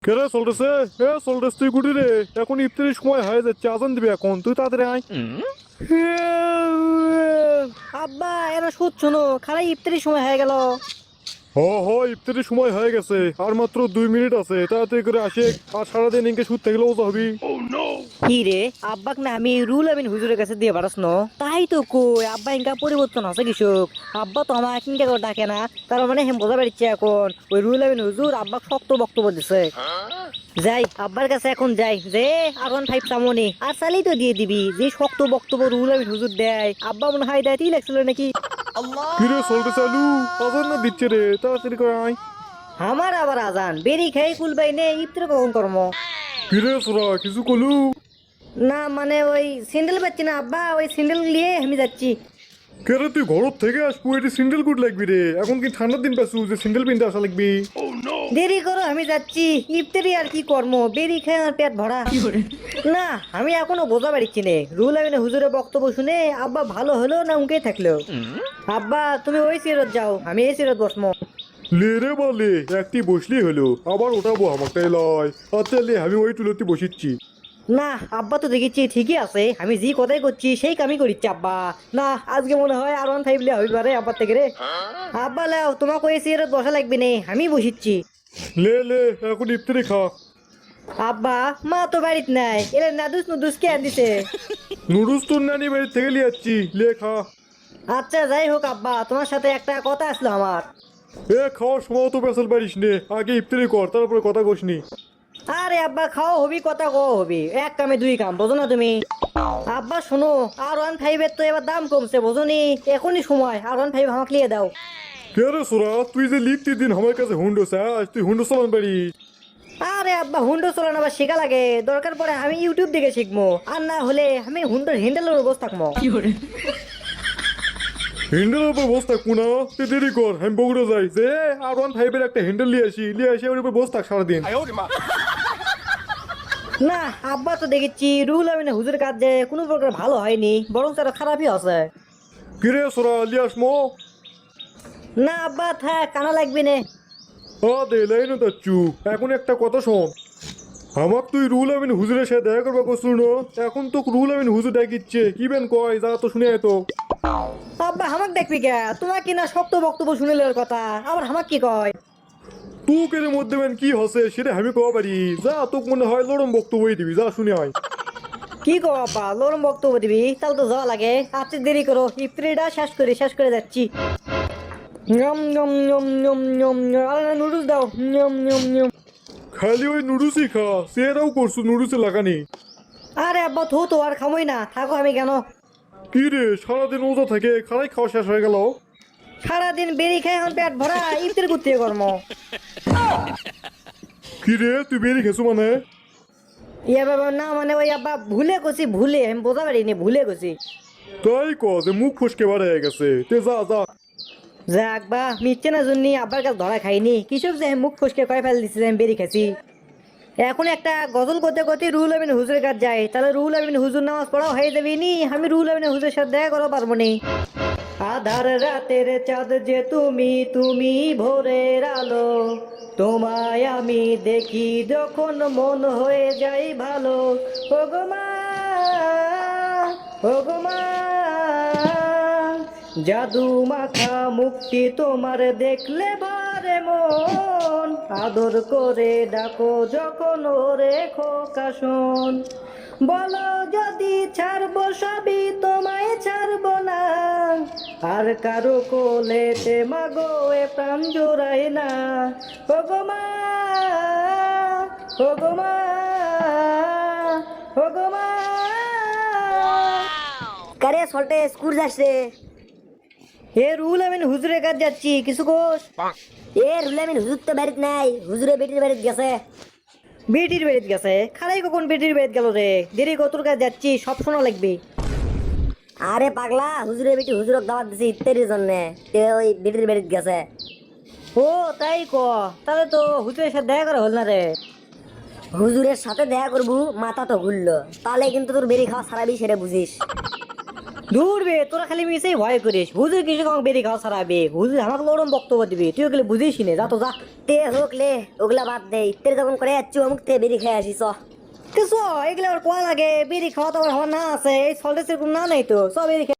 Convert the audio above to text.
কেরে চলতেছে? চলতেছে তুই গুটি রে, এখন ইফতারির সময় হয়ে যাচ্ছে, আজান দিবি এখন, তুই তাড়াতাড়ি আয়। আব্বা এরা শুচ্ছ না, খারাই ইফতারির সময় হয়ে গেল। ইফতারির সময় হয়ে গেছে, আর মাত্র 2 মিনিট আছে, তাড়াতাড়ি করে আসে। আর সারাদিন ইনকে শুট থাকলে ওজা হবি। কি রে আব্বাক না আমি রুল আমিন হুজুরের কাছে দিয়ে পারাস ন? তাই তো কই আব্বা ইনকা পরিবর্তন আছে কৃষক। আব্বা তো আমার কিনকা করে ডাকে না, তার মানে হেম বোঝা পারছে এখন ওই রুল আমিন হুজুর আব্বাক শক্ত বক্তব্য দিছে। যাই আব্বার কাছে এখন যাই, যে R15 চামনি আর চালেই তো দিয়ে দিবি, যে শক্ত বক্তব্য রুল আমিন হুজুর দেয় আব্বা মনে হয় দেয়তেই লাগছিল নাকি। কিরে চলতে চালু, আজান না দিচ্ছে রে, তাড়াতাড়ি করে আয়। আমার আবার আজান বেরি খাই কুলবাই নে, ইফতার কখন কর্ম? কিরে সোরা কিছু কলু? না মানে ওই স্যান্ডেল পাচ্ছি না আব্বা, ওই স্যান্ডেল নিয়ে আমি যাচ্ছি। কেরে তুই ঘর থেকে আসবো, এটি সিন্ডেল গুড লাগবি রে, এখন কি ঠান্ডার দিন পাচ্ছু যে সিন্ডেল পিনতে আসা লাগবি? দেরি করো আমি যাচ্ছি, ইফতারি আর কি কর্ম, বেরি খাই আমার পেট ভরা। না আমি এখনো বোঝা পারছি নে, রুল আমিনে হুজুরের বক্তব্য শুনে আব্বা ভালো হলো না উনকে থাকলো। আব্বা তুমি ওই সিরত যাও, আমি এই সিরত বসমো। লে রে বলে একটি বসলি হলো, আবার ওঠাবো আমাকে লয়। আচ্ছা লে, আমি ওই টুলোতে বসিচ্ছি। না আব্বা তো দেখেছি ঠিকই আছে, আমি যে কথাই করছি সেই কামই করিচ্ছি আব্বা। না আজকে মনে হয় R15 লিয়া হইতে পারে আব্বার থেকে রে। আব্বা লাও তোমাকে ওই সিরত বসা লাগবে নে, আমি বসিচ্ছি। লে লে এখন ইফতারি খা। আব্বা মা তো বাড়িত নাই, এরা নাদুস নুদুস কে আনদিছে? নুডলস তোর নানি বাড়ি থেকে লিয়ে যাচ্ছি, লে খা। আচ্ছা যাই হোক আব্বা, তোমার সাথে একটা কথা আসলো আমার। খাওয়ার সময় তো পেছাল পারিস নে, আগে ইফতারি কর তারপরে কথা কসনি। আরে আব্বা খাওয়া হবি কথা কওয়া হবি, এক কামে দুই কাম, বোঝো না তুমি? আব্বা শোনো, R15 এর তো এবার দাম কমছে বোঝনি, এখনই সময় R15 আমাকে লিয়ে দাও। কে রে সোরা, তুই যে লিখতি দিন আমার কাছে হুন্ডো চাস, তুই হুন্ডো চালান পারিস? আরে আব্বা হুন্ডো চালানো আবার শেখা লাগে, দরকার পড়ে আমি ইউটিউব দেখে শিখবো, আর না হলে আমি হুন্ডোর হ্যান্ডেলের বসে থাকবো। হ্যান্ডেলের উপর বস থাকবো না, তুই দেরি কর, আমি বগুড়া যাই, যে R15 একটা হ্যান্ডেল লিয়ে আসি ওর উপর বস থাক সারাদিন। না আব্বা তো দেখেছি রুল আমিনে হুজুর কাজ যে কোনো প্রকার ভালো হয়নি, বরং তারা খারাপই আছে। কিরে সোরা লিয়ে আসমো? না আব্বা থাক, কানা লাগবে না। দে লাইন তাচ্ছু, এখন একটা কথা শোন। আমার তুই রুল আমিন হুজুরের সাথে দেখা করবা করছিল না, এখন তো রুল আমিন হুজুর ডাকিচ্ছে, কি বেন কয় যা তো শুনে আয় তো। আব্বা হামাক দেখবি কে? তোমার কি না শক্ত বক্তব্য শুনিলে কথা, আবার হামাক কি কয়? তুই কের মধ্যে বেন কি হসে সেটা আমি কবা পারি, যা তোকে মনে হয় লড়ম বক্তব্যই দিবি, যা শুনে আয়। কি কো আব্বা, লরম বক্তব্য দিবি? তাহলে তো যাওয়া লাগে, আচ্ছা দেরি করো, ইফতারিটা শেষ করে যাচ্ছি। নিয়ম নিয়ম নিয়ম নিয়ম নিয়ম, আরে নুডলস দাও, নিয়ম নিয়ম নিয়ম। খালি ওই নুডলসই খা, সেটাও করছু নুডলসে লাগানি। আরে আব্বা তো আর খামোই না, থাকো আমি কেন? কি রে সারাদিন ওজা থাকে, খারাই খাওয়া শেষ হয়ে গেল। সারাদিন বেরি খাই এখন পেট ভরা, ইফতার করতে কর্ম। কি রে তুই বেরিয়ে খেছু মানে? ইয়া বাবা না মানে ওই আব্বা ভুলে গেছি, ভুলে আমি বোঝা পারিনি, ভুলে গেছি। তাই ক যে মুখ ফসকে বার হয়ে গেছে, তে যা যা। যাক বা মিথ্যে না জন্য আব্বার কাছে ধরা খাইনি, কৃষক যে মুখ ফসকে কয়ে ফেল দিচ্ছে যে আমি বেরি খাইছি। এখন একটা গজল করতে করতে রুহুল আমিন হুজুরের কাছে যাই, তাহলে রুহুল আমিন হুজুর নামাজ পড়াও হয়ে যাবে নি, আমি রুহুল আমিন হুজুরের সাথে দেখা করতে পারবো নি। আধার রাতের চাঁদ যে তুমি, তুমি ভোরের আলো, তোমায় আমি দেখি যখন মন হয়ে যায় ভালো। ওগো মা, ওগো মা, জাদু মাখা মুক্তি তোমার দেখলে বারে মন, আদর করে ডাকো যখন ওরে খোকা শোন, বলো যদি ছাড়বো সবই তোমায় ছাড়বো না, আর কারো কোলেতে মাগো এ প্রাণ জোড়াই না। ওগো মা, ওগো মা, ওগো মা। কারে সল্টে স্কুল যাচ্ছে? এ রুল আমিন হুজুরের কাছে যাচ্ছি, কিছু কোস? এ রুল আমিন হুজুর তো বাড়িতে নাই, হুজুরে বেটির বাড়িতে গেছে। বেটির বাড়িতে গেছে? খারাই কখন বেটির বাড়িতে গেল রে? দেরি কতর কাছে যাচ্ছি, সব শোনা লাগবে। আরে পাগলা, হুজুরের বেটি হুজুরক দাওয়াত দিছি ইত্যাদির জন্য, ওই বেটির বাড়িতে গেছে। ও তাই ক, তাহলে তো হুজুরের সাথে দেখা করা হল না রে। হুজুরের সাথে দেখা করবো মাথা তো ঘুরলো, তাহলে কিন্তু তোর বেরি খাওয়া সারাবি সেটা বুঝিস। দূর বে, তোরা খালি মিশেই ভয় করিস। হুজুর কিছু কম বেরি খাওয়া ছাড়াবে, হুজুর আমাকে লড়ম বক্তব্য দিবি, তুই ওগুলো বুঝিস নে, যা তো যা। তে হোক লে, ওগুলা বাদ দে, ইত্তের যখন করে যাচ্ছি অমুক তে বেরি খেয়ে আসিস। কিছু এগুলো আবার কোয়া লাগে, বেরি খাওয়া তো আমার হওয়ার না আছে, এই সল্টের না নাই তো সব বেরি